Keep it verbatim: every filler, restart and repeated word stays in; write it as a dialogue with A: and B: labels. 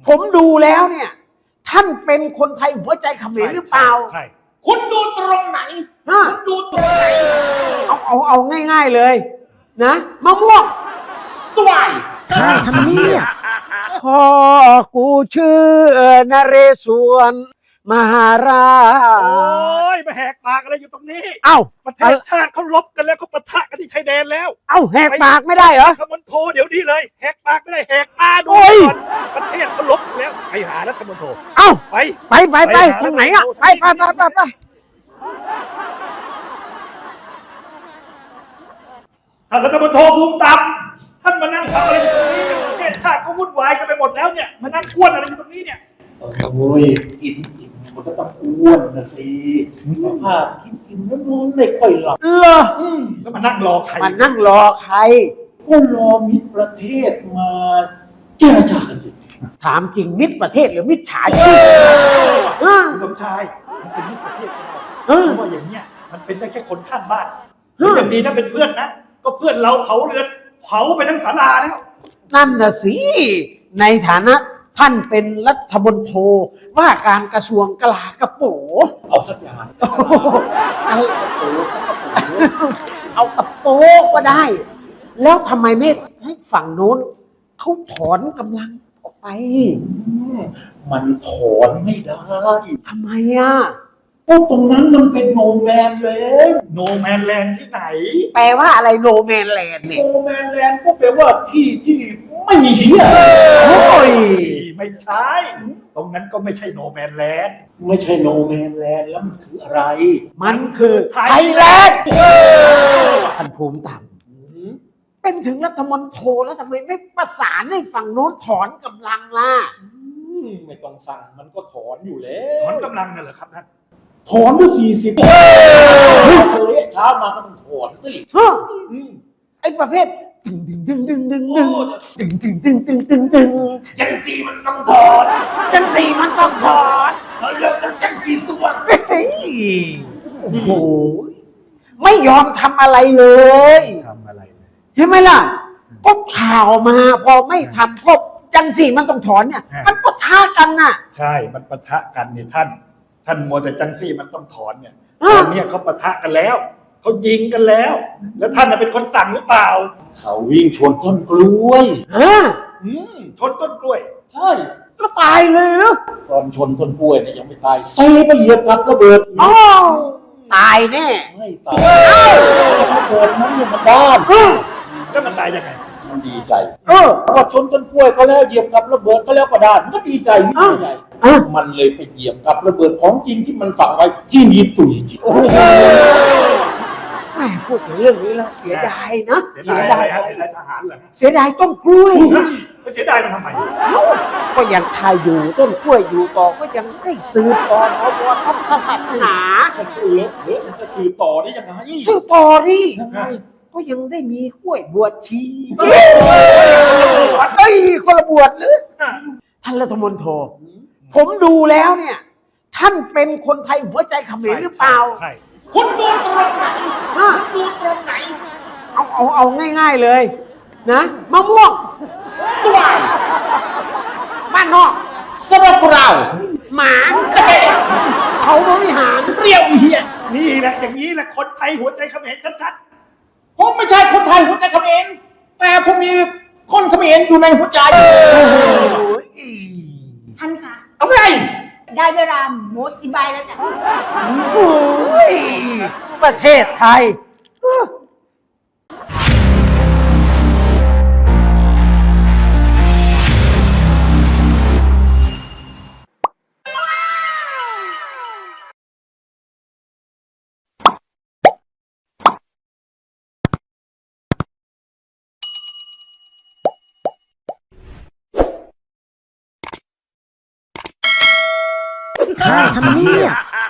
A: ผมดูแล้วเนี่ย ท่านเป็นคนไทยหัวใจเขมรหรือเปล่า
B: ใช่คุณดูตรงไหนคุณดูตรงไหน
A: เอาเอาเอาง่ายๆเลยนะมะม่วง
B: สวาย
A: ข้าทำเนียพ่อกูชื่อนเรศวรมหาราช
B: โอ้ยมาแหกปากอะไรอยู่ตรงนี้
A: เอ้า
B: ประเทศชาติเขาลบกันแล้วเขาปะทะกันที่ชายแดนแล้ว
A: เอ้าแหกปากไม่ได้เหรอ
B: รัฐมนตรีเดี๋ยวนี้เลยแหกปากไม่ได้แหกตาดูก่อนประเทศเขาลบกันแล้วไปหารัฐมนตรี
A: เอ้า
B: ไป
A: ไปไปไปทางไหนอ่ะไปไปไปไปไป
B: ท่านรัฐมนตรีภูมิตับท่านมานั่งทำอะไรอยู่ตรงนี้ประเทศชาติเขาวุ่นวายกันไปหมดแล้วเนี่ยมานั่งอ้วนอะไรอยู่ตรงนี้เนี่ยโอ้ยกินอิ่มมันก็ต้องอ้วนนะสิภาพกินอิ่มแล้วนอนไม่ค่อยหลับ
A: เหรอ
B: แล้วมานั่งรอใคร
A: มานั่งรอใคร
B: ก็รอมิตรประเทศมาเจรจากันสิ
A: ถามจริงมิตรประเทศหรือมิจฉาชีพ
B: คุณสมชายมันเป็นมิตรประเทศก็ได้เพราะว่าอย่างเนี้ยมันเป็นได้แค่คนข้างบ้านอย่างดีถ้าเป็นเพื่อนนะก็เพื่อนเราเผาเรือนเผาไปทั้งศาลาแล้ว
A: นั่นน่ะสิในฐานะท่านเป็นรัฐมนตรีว่าการกระทรวงกลาโหม
B: เอาสักอย่าง
A: เอากระโปเอากระโปก็ได้แล้วทำไมไม่ให้ฝั่งโน้นเขาถอนกำลังออกไป
B: มันถอนไม่ได้
A: ทำไมอ่ะ
B: เพราะตรงนั้นมันเป็นโนแมนแลนด์โนแมนแลนด์ที่ไหน
A: แปลว่าอะไรโนแมนแลนด์เนี่ย
B: โนแมนแลนด์ก็แปลว่าที่ที่ไม่มีเหี้ย
A: โอ้ย
B: ไม่ใช่ตรงนั้นก็ไม่ใช่โนแมนแลนด์ไม่ใช่โนแมนแลนด์แล้วมันคืออะไร
A: มันคือไทยแลนด์ท่านภูมิธรรมเป็นถึงรัฐมนตรีแล้วทำไมไม่ประสานให้ฝั่งโน้นถอนกำลังล่ะ
B: ไม่ต้องสั่งมันก็ถอนอยู่แล้วถอนกำลังนั่นเหรอครับท่านถอนด้วยสี่สิบเละเช้ามาก็ต้องถอนสิ
A: ไอ้ประเภทดึงดึงดึงดึงดึงดึงดึงดึงดึงดึงดึงดึง
B: จังสีมันต้องถอน
A: จังสีมันต้องถอน
B: เขาเลิกกันจังสีสวง
A: โอ้โหไม่ยอมทำอะไรเลย
B: ทำอะไร
A: เห็นไหมล่ะก็ข่าวมาพอไม่ทำก็จังสีมันต้องถอนเนี่ยมันปะทะกันน่ะ
B: ใช่มันปะทะกันเนี่ยท่านท่านมัวแต่จังสีมันต้องถอนเนี่ยตอนนี้เขาปะทะกันแล้วเขายิงกันแล้วแล้วท่านเป็นคนสั่งหรือเปล่าเขาวิ่งชนต้นกล้วย
A: ฮะ
B: ชนต้นกล้วยใช่
A: แล้วตายเลยเหรอ
B: ตอนชนต้นกล้วยเนี่ยยังไม่ตายเซ่ไปเหยียบกับระเบิด
A: อ๋อตายแน่
B: ไม่ตายระเบิดนั้นเนี่ยมันด้านแล้วมันตายยังไงมันดีใจเออพอชนต้นกล้วยก็แล้วเหยียบกับระเบิดก็แล้วก็ด้านมันก็ดีใจไม่ใหญ่มันเลยไปเหยียบกับระเบิดของจริงที่มันฝังไว้ที่นี่ตุยจริง
A: แม่พูดถึงเรื่องนี้แล้วเสียดายนะ
B: เสียดายเสียดายทหารเหรอ
A: เสียดายต้นกล้วย
B: ไม่เสียดายมันทำไม
A: ก็ยังทายอยู่ต้นกล้วยอยู่ต่อก็ยังได้สืบต่อเอาตัวพระศาสนา
B: คนอื่นเถอะมันจะสืบต่อได้ยังไง
A: สืบต่อดิก็ยังได้มีกล้วยบวชชีเฮ้ยคนละบวชหรือท่านรัฐมนตรีผมดูแล้วเนี่ยท่านเป็นคนไทยหัวใจเขมรหรือเปล่า
B: ใช่คุณดูตรงไหนคุณดูตรงไหน
A: เอาเอาเอาง่ายๆเลยนะมะม่วง
B: สวาย
A: บ้านนอก
B: สระเปล่า
A: หมาเจ๊เขาบริหาร
B: เปรี้ยวเหี้ยนี่แหละอย่างนี้แหละคนไทยหัวใจเขมรชัดๆผมไม่ใช่คนไทยหัวใจเขมรแต่ผมมีคนเขมรอยู่ในหัวใจ
C: ท่านคะ
B: เอาไง
C: ได้เวลาโมสิบายแล้วจ้ะ
A: โอ้ยประเทศไทยข้าทำเนียบ